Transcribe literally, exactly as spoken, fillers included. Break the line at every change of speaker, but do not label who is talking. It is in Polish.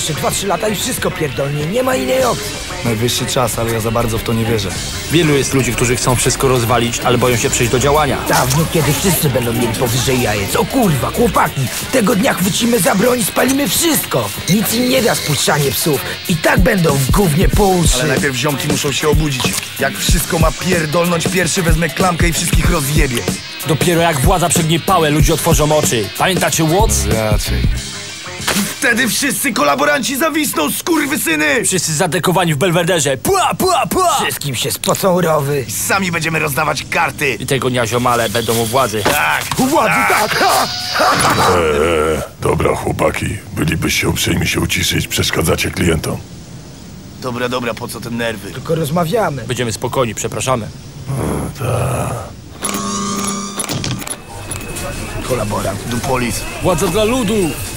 Jeszcze dwa trzy lata i wszystko pierdolnie, nie ma innej opcji.
Najwyższy czas, ale ja za bardzo w to nie wierzę.
Wielu jest ludzi, którzy chcą wszystko rozwalić, ale boją się przejść do działania.
Dawno, kiedy wszyscy będą mieli powyżej jajec. O kurwa, chłopaki, tego dnia chwycimy za broń i spalimy wszystko. Nic im nie da spuszczanie psów. I tak będą w gównie po uszy.
Ale najpierw ziomki muszą się obudzić. Jak wszystko ma pierdolnąć, pierwszy wezmę klamkę i wszystkich rozjebie.
Dopiero jak władza przegnie pałę, ludzie otworzą oczy. Pamiętacie Watts?
Raczej. Wtedy wszyscy kolaboranci zawisną, skurwysyny!
Wszyscy zadekowani w Belwederze. Pła, pła, pła!
Wszystkim się spocą rowy.
Sami będziemy rozdawać karty.
I tego dnia ziomale będą u władzy.
Tak.
U władzy, tak! Ha!
Eee, dobra chłopaki, bylibyście uprzejmi się uciszyć, przeszkadzacie klientom.
Dobra, dobra, po co te nerwy?
Tylko rozmawiamy.
Będziemy spokojni, przepraszamy.
Kolaborant, Dupolis.
Władza dla ludu!